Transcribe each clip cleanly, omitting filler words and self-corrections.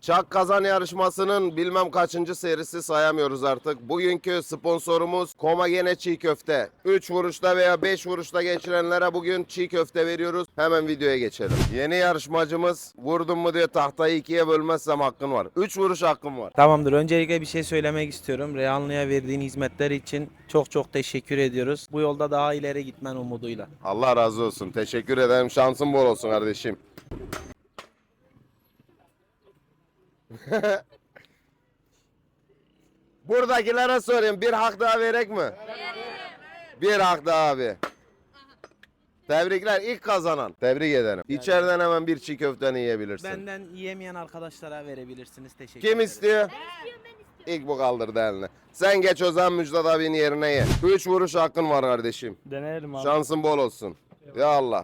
Çak Kazan yarışmasının bilmem kaçıncı serisi sayamıyoruz artık. Bugünkü sponsorumuz Komagene Çiğ Köfte. 3 vuruşta veya 5 vuruşta geçirenlere bugün çiğ köfte veriyoruz. Hemen videoya geçelim. Yeni yarışmacımız vurdun mu diye tahtayı ikiye bölmezsem hakkın var. 3 vuruş hakkım var. Tamamdır. Öncelikle bir şey söylemek istiyorum. Reyhanlı'ya verdiğin hizmetler için çok çok teşekkür ediyoruz. Bu yolda daha ileri gitmen umuduyla. Allah razı olsun. Teşekkür ederim. Şansın bol olsun kardeşim. Buradakilere sorayım. Bir hak daha verek mi? Bir hak daha abi. Tebrikler. İlk kazanan. Tebrik ederim. İçeriden hemen bir çiğ köfteni yiyebilirsin. Benden yiyemeyen arkadaşlara verebilirsiniz. Teşekkür Kim ederim. istiyor? İlk bu kaldırdı elini. Sen geç o zaman Müjdat abinin yerine ye. 3 vuruş hakkın var kardeşim. Deneyelim abi. Şansın bol olsun. Ya Allah.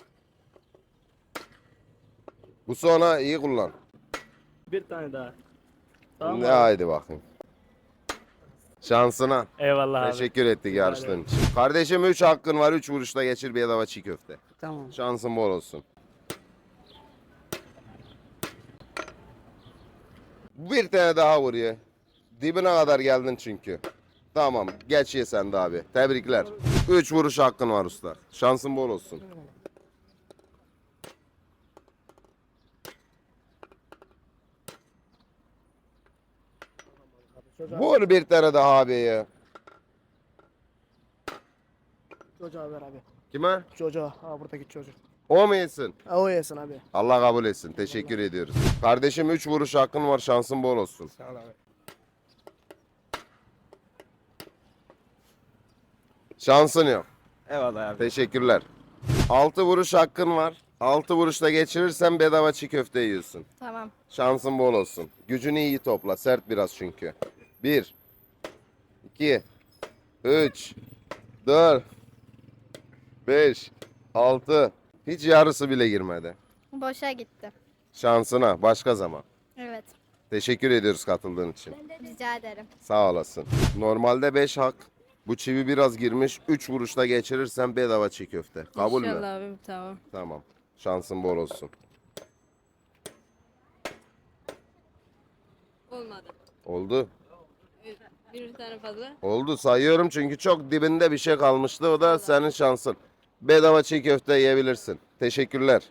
Bu sonra iyi kullan. Bir tane daha. Tamam Ne abi. haydi bakayım. Şansına. Eyvallah abi. Teşekkür ettik yarıştığın için. Kardeşim 3 hakkın var. 3 vuruşta geçir bir bedava çiğ köfte. Tamam. Şansın bol olsun. Bir tane daha vur ya. Dibine kadar geldin çünkü. Tamam. Geç ye sen de abi. Tebrikler. 3 vuruş hakkın var usta. Şansın bol olsun. Vur bir tane daha abi ya. Çocuğa ver abi. Kime? Çocuğa. Ha buradaki çocuk. O mu yesin? Ha o yesin abi. Allah kabul etsin. Teşekkür ediyoruz. Kardeşim 3 vuruş hakkın var. Şansın bol olsun. Sağ ol abi. Şansın yok. Eyvallah abi. Teşekkürler. 6 vuruş hakkın var. 6 vuruşta geçirirsen bedava çiğ köfte yiyorsun. Tamam. Şansın bol olsun. Gücünü iyi topla. Sert biraz çünkü. 1 2 3 4 5 6 Hiç yarısı bile girmedi. Boşa gitti. Şansına başka zaman. Evet. Teşekkür ediyoruz katıldığın için. Rica ederim. Sağ olasın. Normalde 5 hak. Bu çivi biraz girmiş. 3 vuruşta geçirirsen bedava çiğ köfte. Kabul mü? İnşallah abim tamam. Tamam. Şansın bol olsun. Olmadı. Oldu. Bir tane fazla. Oldu sayıyorum çünkü çok dibinde bir şey kalmıştı. O da senin şansın. Bedava çiğ köfte yiyebilirsin. Teşekkürler.